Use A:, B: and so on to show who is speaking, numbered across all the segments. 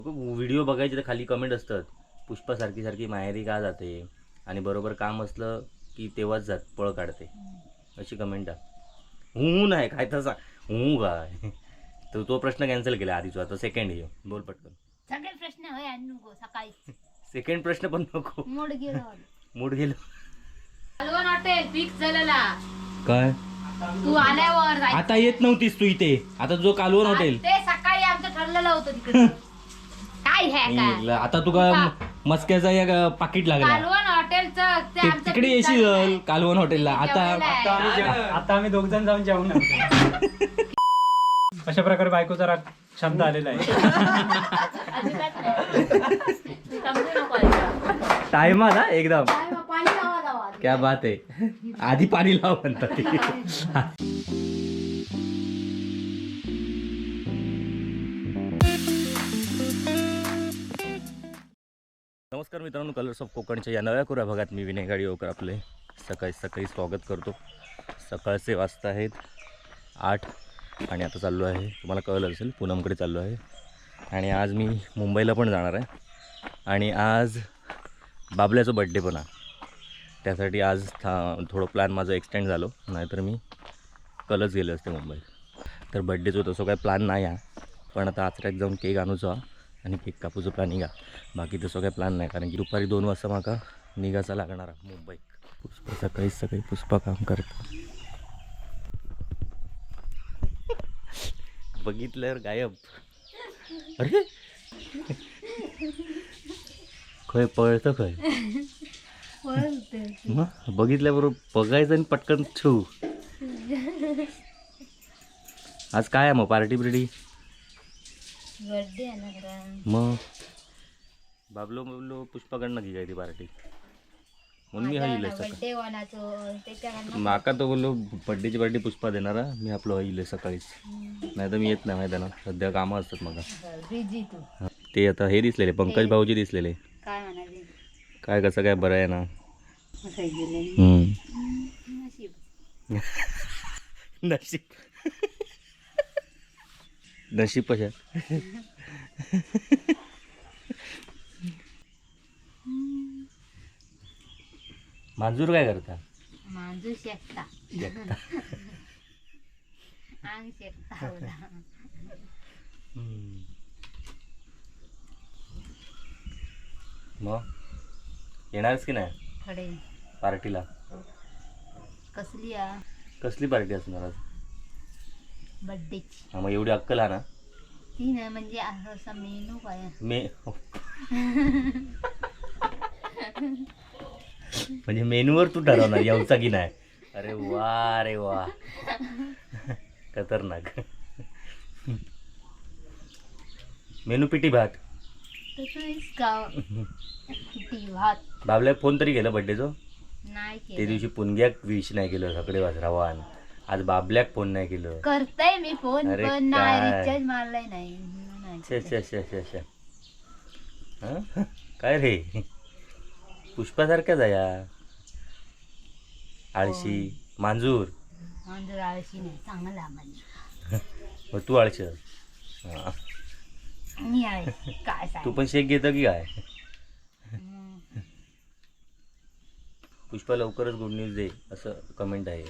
A: Video बघायचे तर खाली कमेंट असतात, पुष्पा सारखी सारखी माहेरी का जाते आणि बरोबर काम असलं की तेव्हाच पळ काढते, अशी कमेंट आहे. हूं नाही काय तसा हूं काय. तर तो प्रश्न कॅन्सल केला आधीचा, आता सेकंड ये बोल पटकन.
B: सगळे प्रश्न होय नको सकाळी.
A: सेकंड प्रश्न पण नको.
B: मूड गेलो.
A: मूड गेलो.
B: कालवण हॉटेल फिक्स झालेला.
A: काय
B: तू आल्यावर जायचं.
A: आता येत नव्हतीस तू इथे, आता जो कालवण हॉटेल
B: ते सकाळी आमचं ठरलेलं होतं तिकडे. काय हे काय
A: आता तुका मस्क्याचा एक पाकिट लागला.
B: कालवण हॉटेलचं ते आमचं
A: तिकडे
B: fix
A: येशील
B: झालेलं.
A: कालवण हॉटेलला. आता
C: आता आम्ही 2 जण जाऊन जेवण अशा प्रकारे बायकोचा राग शांत आलेला आहे.
B: अजिबात नाही. समजू नको आता.
A: टाइम आला एकदम.
B: पाणी लावा जावा.
A: क्या बात आहे. आधी पाणी लाव म्हणतात. नमस्कार मित्रांनो, कलर्स ऑफ कोकणच्या या नव्या कोऱ्या भागात मी विनय गाडीवकर आपले सकाळी सकाळी स्वागत करतो. सकाळचे वाजता आहेत 8 आणि आता चाललो आहे, तुम्हाला कळलं असेल, पूनमकडे चाललो आहे. आणि आज मी मुंबईला पण जाणार आहे आणि आज बाबल्याचा बड्डे पण आहे. त्यासाठी आज थोडं प्लॅन माझं एक्सटेंड झालं, नाहीतर मी कलच गेले असते मुंबईत. तर बड्डेचं तसं काय प्लॅन नाही आहे, पण आता आचऱ्यात जाऊन केक आणूचा आणि केक कापूचं प्लॅनिंग आहे. बाकी तसं काही प्लॅन नाही, कारण की दुपारी 2 वाजता माका निघायचा लागणार आहे मुंबईत. पुष्पा सकाळीच सकाळी पुष्पा काम करतो. बघितल्यावर गायब. अरे खय पळतं खय मग बघितल्याबरोबर बघायचं आणि पटकन छू. आज काय आहे मग पार्टी बिर्टी?
B: बर्थडे आहे ना खरं.
A: मग बाबलो पुष्पाकडनं घे काय ती पार्टी म्हणून मी हईल
B: बर्थडे वानाचं त्याच्या
A: माका तो बोललो बड्डेची पार्टी पुष्पा देणार आहे, मी आपलं हईल सकाळीच, नाही तर मी येत नाही माहिती आहे ना, सध्या कामं असतात मला.
B: बिझी तू.
A: ते आता हे दिसलेले पंकज भाऊजी दिसलेले.
B: काय म्हणाले
A: काय कसं काय बरं आहे ना.
B: असं गेले नशीब.
A: नशीब नशीब कशा. मांजूर काय करता?
B: मांजू शेकता अंग शेकता होला.
A: मग येणारच की नाही
B: खडे
A: पार्टीला?
B: कसली आ
A: कसली पार्टी असणार आज?
B: बर्थडेची.
A: हा, मग एवढी अक्कल हा ना.
B: ती नाही म्हणजे असं मेनू काय
A: म्हणजे मेनूवर तू ठरवणार यावचा की नाही? अरे वा रे वा, खतरनाक. मेनू पिटी भात.
B: भात
A: बाबल्या फोन तरी केलं बड्डेचं?
B: नाही
A: ते
B: केलं.
A: दिवशी पुणग्याक विश नाही केलं, सगळे वाजरावान. आज बाबल्याक फोन नाही केलं.
B: करताय मी फोन
A: अरे
B: पण नाही,
A: काय?
B: रिचार्ज मारलाय नाही म्हणून नाही
A: शे
B: केलं.
A: शे शे शे शे. हं? काय रे पुष्पासारख्याच आहे या. आळशी मांजूर.
B: मांजर आळशी नाही, चांगला मांजर.
A: मग तू आळशी आहेस. हा.
B: मी आहे काय
A: तू
B: सांग.
A: पण शेक घेतं की काय? पुष्पा लवकरच गुड न्यूज दे असं कमेंट आहे.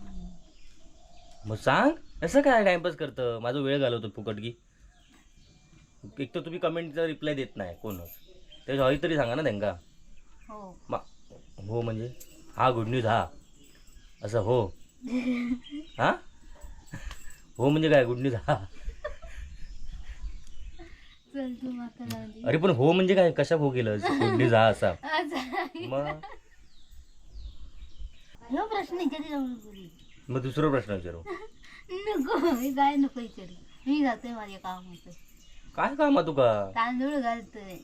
A: मग सांग असं काय टाइमपास करतं, माझा वेळ घालवतो फुकट की. एक तर तुम्ही कमेंटचा रिप्लाय देत नाही कोणच, त्याच्या हवी तरी सांगा ना त्यांना.
B: हो
A: हो म्हणजे हा गुड न्यूज हा असं हो. हा हो म्हणजे काय गुड न्यूज हा?
B: चल तू माका लावली.
A: अरे पण हो म्हणजे काय, कशा हो केलं गुड न्यूज हा असा? मग
B: ह्यो प्रश्न कधी जाऊन बोलू
A: मग दुसरा प्रश्न विचारू.
B: नको मी काय नको विचारू. मी जातोय माझे काम होतं.
A: काय काम आहे तुका?
B: तांदूळ घालतोय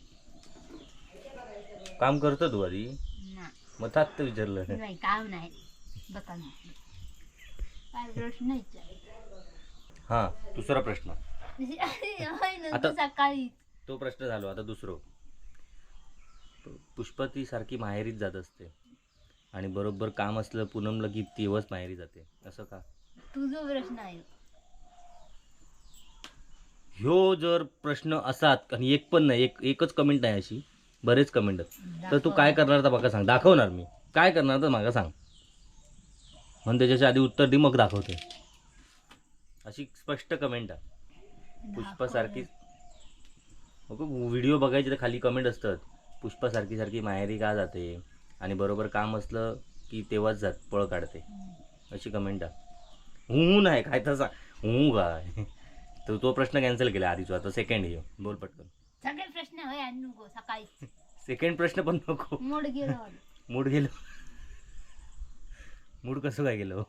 A: काम करतो तू आधी,
B: ना.
A: मग तात विचारलं.
B: नाही काम नाही बघा ना. काय प्रश्न विचार.
A: हा दुसरा प्रश्न. आता-
B: सकाळी
A: तो प्रश्न झालो, आता दुसरं. पुष्पा ती सारखी माहेरीच जात असते आणि बरोबर काम असलं पूनमला की तेव्हाच माहेरी जाते, असं का?
B: तुझा प्रश्न आहे.
A: ह्यो जर प्रश्न असात आणि एक पण नाही, एकच कमेंट नाही अशी, बरेच कमेंट आहेत, तर तू काय करणार तर बघा सांग, दाखवणार मी काय करणार तर मागा सांग, म्हणून त्याच्याच्या आधी उत्तर दे मग दाखवते. अशी स्पष्ट कमेंट आहे पुष्पासारखी. व्हिडिओ बघायचे तर खाली कमेंट असतात, पुष्पासारखी सारखी माहेरी का जाते, आणि बरोबर काम असलं की तेव्हाच जात पळ काढते, अशी कमेंट आहे. हू नाही काय तसा हू काय. तर तो प्रश्न कॅन्सल केला आधीच, आता सेकंड ये बोल पटकन.
B: सगळे प्रश्न होय आणि नको सकाळी
A: सेकंड प्रश्न पण नको.
B: मूड गेलो
A: मूड गेलो. मूड कसं काय गेलो.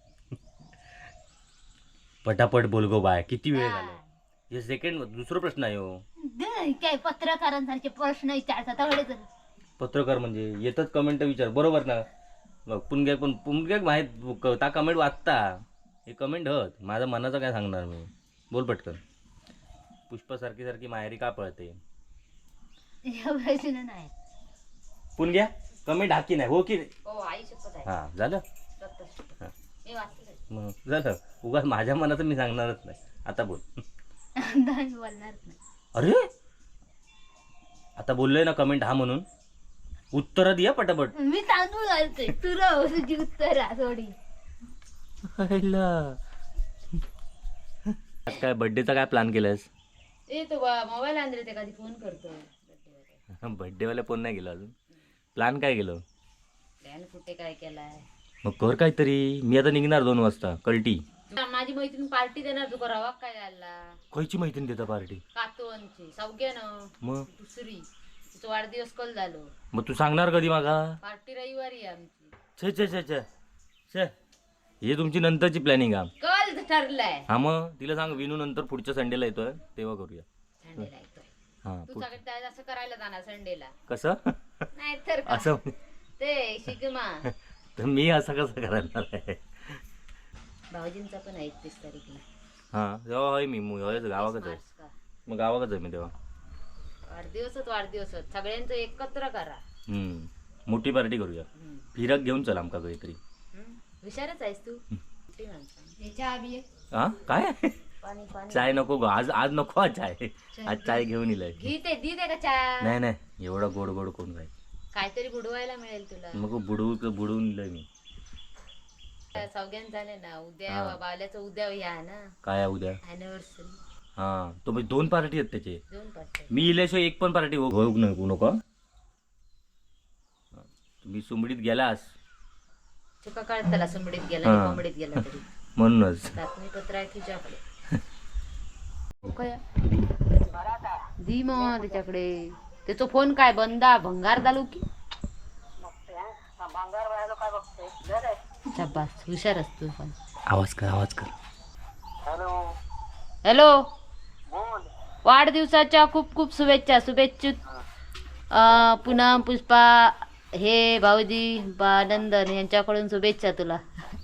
A: पटापट बोल गो बाय, किती वेळ झाला. हे सेकंड दुसरा प्रश्न आहे हो.
B: काय पत्रकारांसारखे प्रश्न विचारतात तेवढे तर.
A: पत्रकार म्हणजे येतच कमेंट विचार, बरोबर ना. मग पुणग्याक माहीत ता कमेंट वाचता, हे कमेंट हत माझ्या मनाचं काय सांगणार मी. बोल पटकन. पुष्पासारखी सारखी माहेरी का पळते.
B: प्रश्न नाही
A: पुणग्या कमेंट हाकी नाही हो की
B: हो आई शपथ आहे.
A: हां झालं. हां
B: मी वाचलं
A: मग झालं. उगाच माझ्या मनाचं मी सांगणारच नाही. आता बोल.
B: बोलणार नाही.
A: अरे आता बोललोय ना कमेंट हा म्हणून, उत्तर द्या पटापट.
B: मी तांदूळ घालते तुला तुझी उत्तर थोडी.
A: आज काय बर्थडेचा काय प्लॅन केलायस.
B: ए तो मोबाईल आणले ते कधी फोन करतो.
A: बर्थडेवाला फोन नाही केला अजून. प्लॅन काय केलं.
B: प्लॅन कुठे काय केलाय.
A: मग कर काहीतरी. मी आता निघणार 2 वाजता कल्टी.
B: माझी मैत्रीण पार्टी देणार तू करावा काय घालला.
A: खयची मैत्रीण देता पार्टी.
B: कातोंची सौग्यानं
A: मग
B: दुसरी तिचा वाढदिवस कल झालो.
A: मग तू सांगणार कधी मागा.
B: पार्टी रविवारी आहे आमची.
A: छे छे छे छे छे हे तुमची नंतरची प्लॅनिंग आहे.
B: कल ठरलाय.
A: हा मग तिला सांग विनू नंतर पुढच्या संडेला येतोय तेव्हा करूया.
B: संडेला येतोय.
A: हा
B: तू सगळं असं करायला जाणार संडेला.
A: कसं
B: नाही तर
A: असं
B: ते शिगमा.
A: तर मी असं कसं करणार आहे.
B: भाऊजींचा पण आहे 31 तारीखला.
A: हा तेव्हा आहे मी गावाकडे आहे.
B: मार्च का.
A: मग गावाकडे आहे मी तेव्हा.
B: वाढदिवसच सगळ्यांचं एकत्र करा.
A: मोठी पार्टी करूया. फिरक घेऊन चल आमका काहीतरी.
B: हुशारच आहेस तू. मोठी माणसं.
A: हा काय
B: पाणी पाणी
A: चाय नको गं. आज नको आज चाय. आज चाय घेऊन येईल.
B: घी ते दी दे का चहा.
A: नाही नाही एवढा गोड गोड कोण काय.
B: काहीतरी बुडवायला मिळेल तुला.
A: मग बुडवून दिलंय मी.
B: सौग्यान झाले ना उद्या बावल्याचं उद्या या ना.
A: काय आहे उद्या.
B: अॅनिव्हर्सरी.
A: हा तो म्हणजे 2 पार्टी आहेत त्याचे.
B: 2 पार्टी.
A: मी इल्याशिवाय एक पण पार्टी होऊ नको. तुम्ही सुमडीत गेलास
B: चुका काढ त्याला सुमडीत गेला कोंबडीत गेला तरी.
A: म्हणूनच
B: बातमीपत्र आहे तुझ्याकडे. दी मग त्याच्याकडे. त्याचा फोन काय बंदा भंगार झालो की. शाबास हुशार असतो पण.
A: आवाज कर.
B: हॅलो वाढदिवसाच्या खूप खूप शुभेच्छा. पुनम पुष्पा हे भाऊजी नंदन यांच्याकडून शुभेच्छा तुला.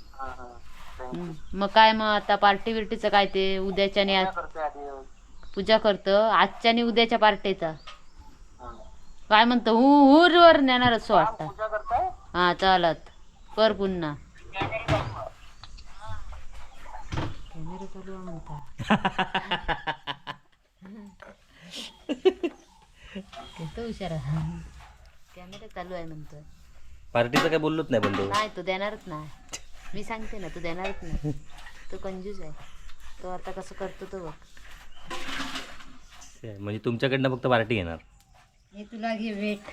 B: मग काय मग आता पार्टी बिर्टीचं काय ते उद्याच्या पूजा करतं आजच्या आणि उद्याच्या पार्टीचा काय म्हणतो वर नेणार असं वाटतं. हा चालत कर पुन्हा. कॅमेरा चालू म्हणता. हुशार कॅमेरा चालू आहे म्हणतो.
A: पार्टीचं काय बोललोच नाही पण
B: नाही तू देणारच नाही. मी सांगते ना तू देणारच नाही. तो कंजूस आहे. तो आता कसं करतो तो बघ.
A: म्हणजे तुमच्याकडनं फक्त पार्टी येणार.
B: हे तुला घे वेट.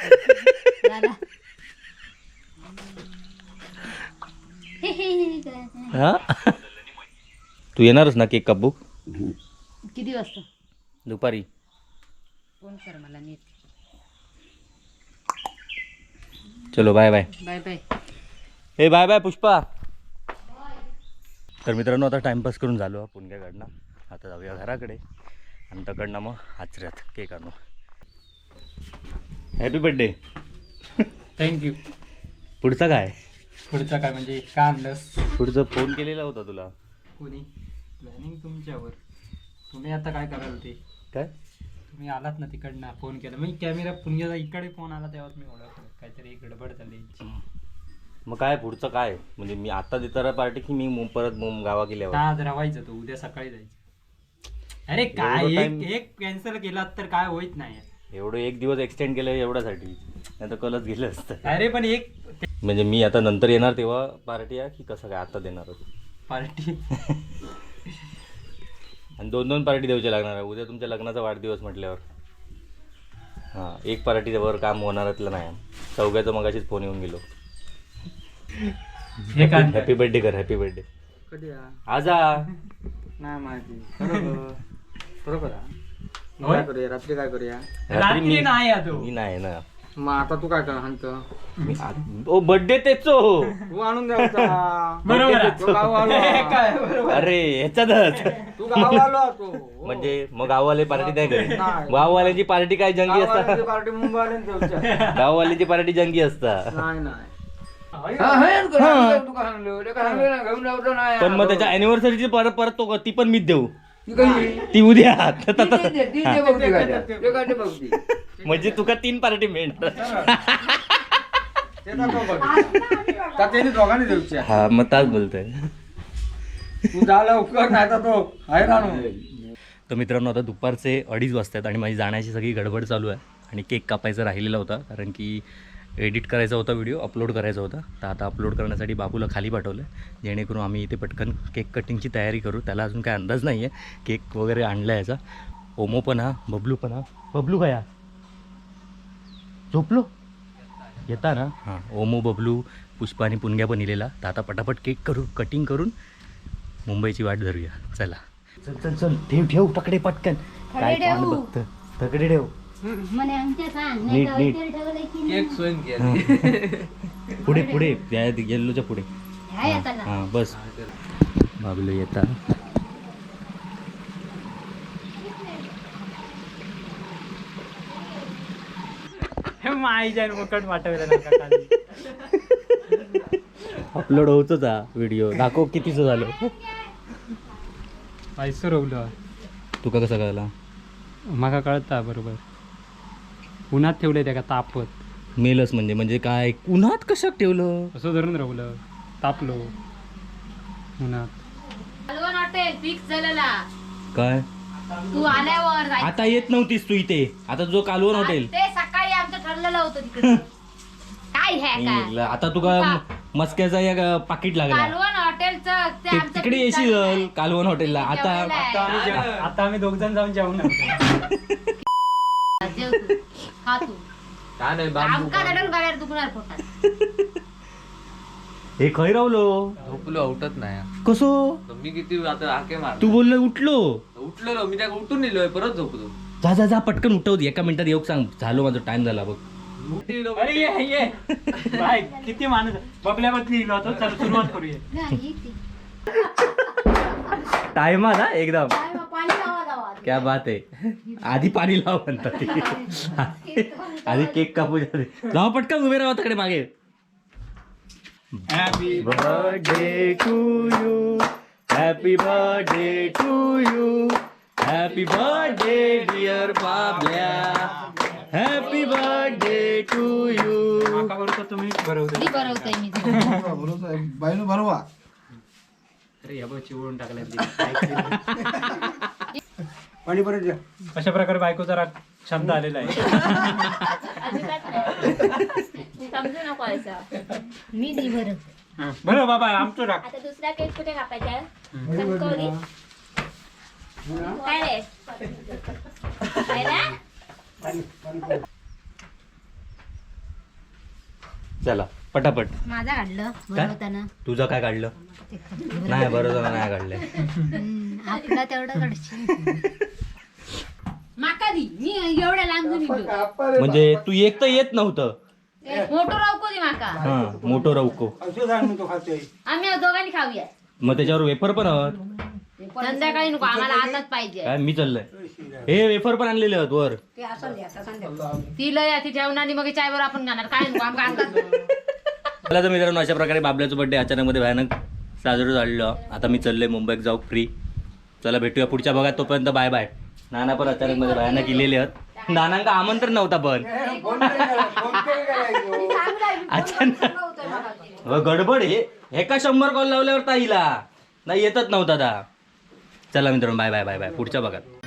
A: हा तू येणारच ना केक कापू.
B: किती वाजता.
A: दुपारी.
B: फोन कर मला नीट.
A: चलो बाय बाय.
B: Bye bye.
A: हे बाय बाय पुष्पा. तर मित्रांनो आता टाइमपास करून झालो पुणग्याकडनं. आता जाऊया घराकडे आणि तकडनं मग आचऱ्यात केक आणू. Happy birthday.
C: थँक्यू.
A: पुढचा काय.
C: पुढचा काय म्हणजे का आणलंस.
A: पुढचा फोन केलेला होता तुला.
C: कोणी प्लॅनिंग तुमच्यावर. तुम्ही आता काय कराल ते.
A: काय
C: तुम्ही आलात ना तिकडनं फोन केला मी कॅमेरा पुण्याचा इकडे फोन आला तेव्हा मी ओळखलं काहीतरी गडबड झाली.
A: मग काय पुढचं काय म्हणजे मी आता देताना पार्टी की मी परत गावा गेल्यावर.
C: आज राहायचं तो उद्या सकाळी जायचं. अरे काय
A: एवढं
C: एक
A: time-
C: एक कॅन्सल केला तर काय होईत नाही.
A: एवढं एक दिवस एक्सटेंड केलं एवढ्यासाठी, नाही तर कलच गेलं असतं.
C: अरे पण एक
A: म्हणजे मी आता नंतर येणार तेव्हा पार्टी आहे की कसं काय आता देणार होती?
C: पार्टी
A: आणि 2 पार्टी द्यायची लागणार आहे. उद्या तुमच्या लग्नाचा वाढदिवस म्हटल्यावर हां, एक पार्टीवर काम होणारातलं नाही. चौघ्याचं मगाशीच फोन येऊन गेलो.
C: हे काय
A: हॅपी बर्थडे कर, हॅपी बर्थडे.
D: कधी
A: आजा
D: नाही माहिती बरोबर बरोबर
C: होय?
D: काय करूया रात्री काय करूया
A: रात्री
C: रात्री नाही आहे तो.
A: मी नाही ना.
D: मग आता तू काय कर हाणत
A: मी ओ बर्थडे तेचो.
D: तू आणून द्यायचा
C: बरोबर आहे.
D: तो गाव आलो
C: हे काय बरोबर.
A: अरे ह्याच्यातच
D: तू गाव आलो तो
A: म्हणजे मग गाववाले पार्टी नाही करेल.
D: नाही.
A: गाववाल्यांची पार्टी काय जंगी असतात.
D: पार्टी मुंबई देऊच्या
A: गाववाल्यांची पार्टी जंगी असतात.
D: नाही नाही
A: पण मग त्याच्या अॅनिव्हर्सरीची परत परत तो ती पण मीच देऊ. ती उद्या म्हणजे तुका 3 पार्टी मिळणार.
D: त्यांनी दोघांनी देऊच्या
A: हा मग ताच बोलतोय.
D: तू जा लवकर नाही तर तो हैराण
A: तर मित्रांनो आता दुपारचे 2:30 वाजतात आणि माझी जाण्याची सगळी गडबड चालू आहे. आणि केक कापायचा राहिलेला होता कारण की एडिट करायचा होता, व्हिडिओ अपलोड करायचा होता. तर आता अपलोड करण्यासाठी बाबूला खाली पाठवलं आहे जेणेकरून आम्ही इथे पटकन केक कटिंगची तयारी करू. त्याला अजून काय अंदाज नाही आहे. केक वगैरे आणला याचा. ओमो पण हा, बबलू पण हा. बबलू काय झोपलो येता ना. हां, ओमो, बबलू, पुष्पा आणि पुणग्या पण इलेला. तर आता पटापट केक करू, कटिंग करून मुंबईची वाट धरूया. चला चल चल चल, ठेव ठेव तकडे पटकन. काय कोण बघतं, तकडे ठेव नीट नीट.
D: केक सोयन केली
A: पुढे पुढे येल्लोच्या पुढे. हां बस. बाबलो येता.
C: हे माईच्या मुकट वाटवलं
A: अपलोड होतोच हा व्हिडिओ. दाखव कितीचं झालं.
C: पैसे रोवलं
A: तुका कसं कळला?
C: माका कळता बरोबर. उन्हात ठेवले त्या का तापत
A: मेलच म्हणजे काय उन्हात कशात ठेवलं?
C: असं धरून राहलं तापलो उन्हात.
B: कालवण हॉटेल फिक्स झालेला.
A: काय
B: तू आल्यावर जायचं.
A: आता येत नव्हतीस तू इथे. आता जो कालवण हॉटेल
B: ते सकाळी आमचं ठरलेलं होतं तिकडे. काय हे काय
A: आता तुका मस्क्याचा एक पाकिट लागला.
B: कालवण हॉटेलचं ते आमचं
A: तिकडे
B: fix
A: येशील
B: झालेलं.
A: कालवण हॉटेलला. आता
B: जेवलेलं
C: आता आम्ही 2 जण जाऊन जेवण
B: आहे. जेव तू, खा तू.
D: काय नाही
B: आमका रडून बाहेर दुखणार पोटात.
A: हे खै रावलो
D: झोपलो उठत नाही
A: कसो.
D: मी किती आता हाके मार
A: तू बोललो उठलो.
D: उठलेलो मी त्या उठून निलोय परत झोपलो
A: जा जा जा पटकन उठव. एका मिनिटात येऊ सांग. झालो माझा टाइम झाला बघ.
C: अरे ये बाय किती माणूस बबल्यावरती लिहिलो होतो. चल सुरुवात करूया.
A: टाइम आला एकदम. क्या बात आहे. आधी पाणी लाव म्हणतात ते. आधी केक कापू दे. लाव पटकन उभे राहा तिकडे मागे.
C: Happy
A: birthday to you, happy birthday to you, happy birthday dear Bablya, happy birthday to you.
C: माका बरोबर तुम्ही बरोबर.
B: कधी बनवतोय मी.
D: बाईनं भरवा
C: अरे या बघ चिवडून टाकल्या.
D: पाणी परत द्या
C: अशा प्रकारे बायकोचा राग शब्द आलेला आहे.
B: समजू नको असं. मी दी बरं.
C: बरं बाबा आमचं राग.
B: आता दुसरा केक कुठे कापायचा? कणकवली. काय रे? काय रे?
A: चला पटापट.
B: माझा काढलं बनवताना.
A: तुझं काय काढलं? नाही बरोबर नाही काढलंय.
B: आपला तेवढं काढशील. माका दी. मी एवढ्या लांबून येतो.
A: म्हणजे तू एक तर येत नव्हतं.
B: मोठं रावको दी माका.
A: हा मोठो रवको.
B: आम्ही दोघांनी खाऊया.
A: मग त्याच्यावर वेफर पण आहोत.
B: संध्याकाळी नको आम्हाला आताच पाहिजे.
A: काय मी चाललंय. हे वेफर पण आणलेले आहेत वर.
B: ती लय ती जेवणाने मग चायवर आपण खाणार. काय नको आमका आताच.
A: मला तर मित्रांनो अशा प्रकारे बाबल्याचं बर्थडे अचानक मध्ये भयानक साजरं झालेलं. आता मी चाललोय मुंबईत जाऊ फ्री. चला भेटूया पुढच्या भागात. तोपर्यंत बाय बाय. नाना पण अचानक मध्ये भयानक इलेले आहेत. नानांका आमंत्रण नव्हता पण अचानक गडबड. हे का 100 कॉल लावल्यावर ताईला नाही येतच नव्हता. चला मित्रांनो बाय बाय बाय बाय. पुढच्या भागात.